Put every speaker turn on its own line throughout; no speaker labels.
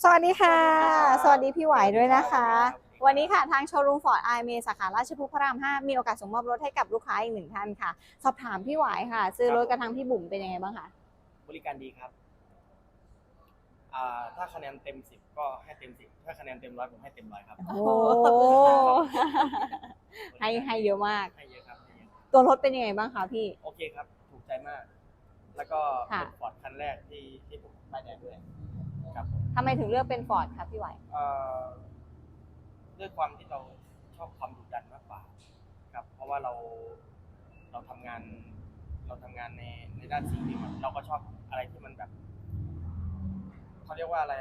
สวัสดีค่ะสวัสดีพี่ไหวด้วยนะคะวันนี้ค่ะทางโชว์รูมฟอร์ดไอเมสาขาราชพฤกษ์พระราม 5มีโอกาสส่งมอบรถให้กับลูกค้าอีกหนึ่งท่านค่ะสอบถามพี่ไหวค่ะซื้อรถกระทางพี่บุ๋มเป็นยังไงบ้างคะ
บริการดีครับถ้าคะแนนเต็ม10ก็ให้เต็ม10ถ้าคะแนนเต็ม100ผมให้เต็ม100ครับ
โอ้ให้เยอะมาก
ให้เยอะครับให้เยอะ
ตัวรถเป็นยังไงบ้างคะพี่
โอเคครับถูกใจมาก แล้วก็เป็นฟอร์ดคันแรกที่ผมป้ายแดงด้วยครับ
ทำไมถึงเลือกเป็นฟอร์ดครับพี่ไหว
ด้วยความที่เราชอบความดุดันมากกว่าครับเพราะว่าเราทำงานในด้านสิ่งที่เราก็ชอบอะไรที่มันแบบเขาเรียกว่าอะไร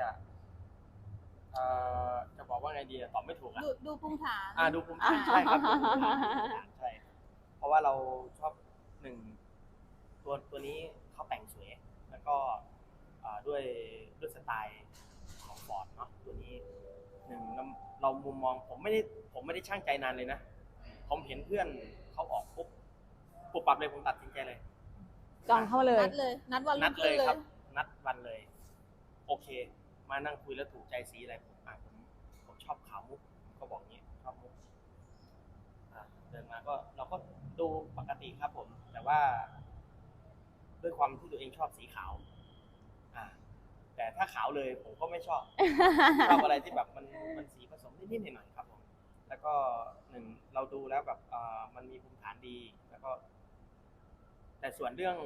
จะบอกว่าไงดีตอบไม่ถูก
ดูภูมิฐาน
ดูภูมิฐานใช่ครับใช่เพราะว่าเราชอบหนึ่งตัวนี้เขาแต่งสวยแล้วก็ด้วยสไตล์ของฟอร์ดเนาะตัวนี้หนึ่งเรามุมมองผมไม่ได้ช่างใจนานเลยนะผมเห็นเพื่อนเขาออกปุ๊บปรับเลยผมตัดสินใจเลย
จองเข้าเลย
นัดวัน
เลยครับนัดวันเลยโอเคมานั่งคุยแล้วถูกใจสีอะไรผมชอบขาวมุกก็บอกงี้ชอบมุกเดินมาก็เราก็ดูปกติครับผมแต่ว่าด้วยความที่ตัวเองชอบสีขาวแต่ถ้าขาวเลยผมก็ไม่ชอบอะไรที่แบบมันสีผสมนิดๆหน่อยๆครับผมแล้วก็หนึ่งเราดูแล้วแบบมันมีภูมิฐานดีแล้วก็แต่ส่วนเรื่อง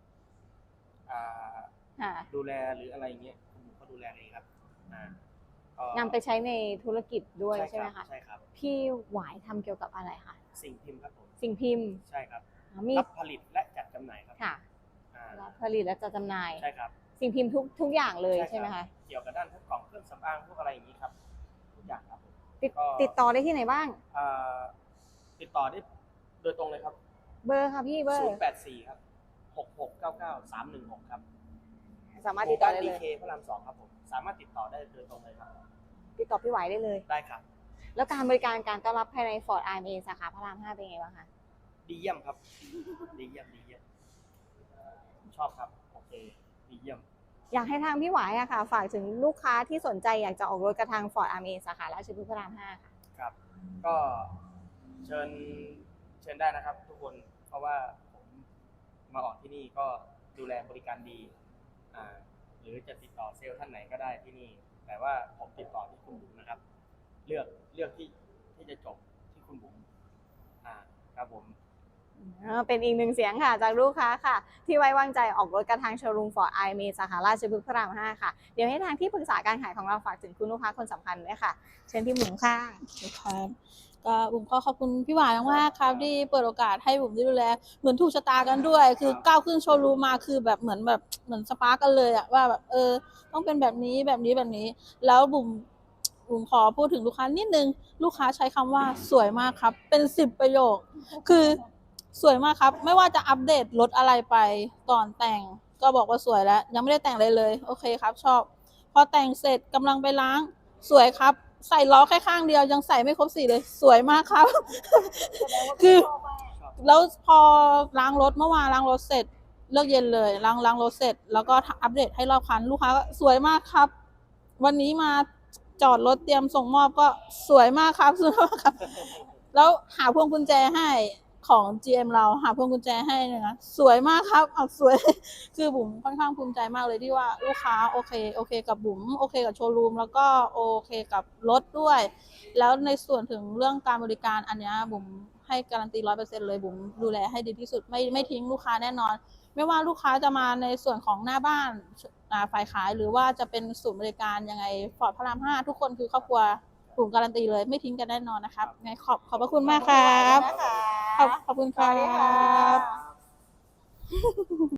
ดูแลหรืออะไรเงี้ยคุณเขาดูแลเองครับ
นำไปใช้ในธุรกิจด้วยใช่ไหมคะ
ใช่ครับ
พี่หวายทำเกี่ยวกับอะไรคะ
สิ่งพิมพ์ครับผม
สิ่งพิมพ์
ใช่ครับ
มี
รับผลิตและจัดจำหน่ายครับ
ค่ะรับผลิตและจัดจำหน่าย
ใช่ครับ
สิ่งพิมพ์ทุกอย่างเลยใช่ไหมคะ
เกี่ยวกับด้านพวกกล่องเครื่องสำอางพวกอะไรอย่างนี้ครับทุกอย่างครับ
ติดต่อได้ที่ไหนบ้าง
ติดต่อได้โดยตรงเลยครับ
เบอร์ค่ะพี่เบอร์
084ครับ6699 316ครับ
สามารถติดต่อได้เลย
DK พระราม 2ครับผมสามารถติดต่อได้โดยตรงเลยครับ
ติดต่อพี่ไหวได้เลย
ได้ครับ
แล้วการบริการการต้อนรับภายใน Ford IMA สาขาพระราม 5เป็นไงบ้างคะ
ดีเยี่ยมครับดีเยี่ยมชอบครับโอเคดีเยี่ยม
อยากให้ทางพี่ไหวอะค่ะฝากถึงลูกค้าที่สนใจอยากจะออกรถกระทาง Ford IMA สาขาราชพฤกษ์พระราม 5ค่ะ
ครับก็เชิญได้นะครับทุกคนเพราะว่าผมมาออกที่นี่ก็ดูแลบริการดีหรือจะติดต่อเซลล์ท่านไหนก็ได้ที่นี่แต่ว่าผมติดต่อที่คุณบุ๋มนะครับเลือกที่จะจบที่คุณบุ๋มครับผม
เป็นอีกหนึ่งเสียงค่ะจากลูกค้าค่ะที่ไว้วางใจออกรถกระทางโชว์รูม Ford IMA สาขาราชพฤกษ์พระราม 5ค่ะเดี๋ยวให้ทางที่ปรึกษาการขายของเราฝากถึงคุณลูกค้าคนสำคัญด้วยค่ะเชิญพี่บุ๋มค่ะ
ครับก็บุ๋มก็ขอบคุณพี่หวานมากครับที่เปิดโอกาสให้บุ๋มได้ดูแลเหมือนถูกชะตากันด้วยคือก้าวขึ้นโชว์รูมมาคือแบบเหมือนสปาร์กกันเลยว่าแบบต้องเป็นแบบนี้แล้วบุ๋มขอพูดถึงลูกค้านิดนึงลูกค้าใช้คำว่าสวยมากครับเป็น10ประโยคคือสวยมากครับไม่ว่าจะอัปเดตรถอะไรไปก่อนแต่งก็บอกว่าสวยแล้วยังไม่ได้แต่งเลยโอเคครับชอบพอแต่งเสร็จกำลังไปล้างสวยครับใส่ล้อแค่ข้างเดียวยังใส่ไม่ครบ4เลยสวยมากครับคือแล้วพอล้างรถเมื่อวานล้างรถเสร็จเลิกเย็นเลยล้างรถเสร็จแล้วก็อัปเดตให้รอบคันลูกค้าก็สวยมากครับวันนี้มาจอดรถเตรียมส่งมอบก็สวยมากครับสวยมากครับแล้วหาพวงกุญแจให้ของ GM เราหาพวงกุญแจให้นะสวยมากครับสวยคือบุ๋มค่อนข้างภูมิใจมากเลยที่ว่าลูกค้าโอเคกับบุ๋มโอเคกับโชว์รูมแล้วก็โอเคกับรถด้วยแล้วในส่วนถึงเรื่องการบริการอันนี้บุ๋มให้การันตี 100% เลยบุ๋มดูแลให้ดีที่สุดไม่ทิ้งลูกค้าแน่นอนไม่ว่าลูกค้าจะมาในส่วนของหน้าบ้านฝ่ายขายหรือว่าจะเป็นศูนย์บริการยังไงฟอร์ดพระราม 5ทุกคนคือครอบครัวบุ๋มการันตีเลยไม่ทิ้งกันแน่นอนนะครับไงขอบพระคุณมากครับขอบคุณครับ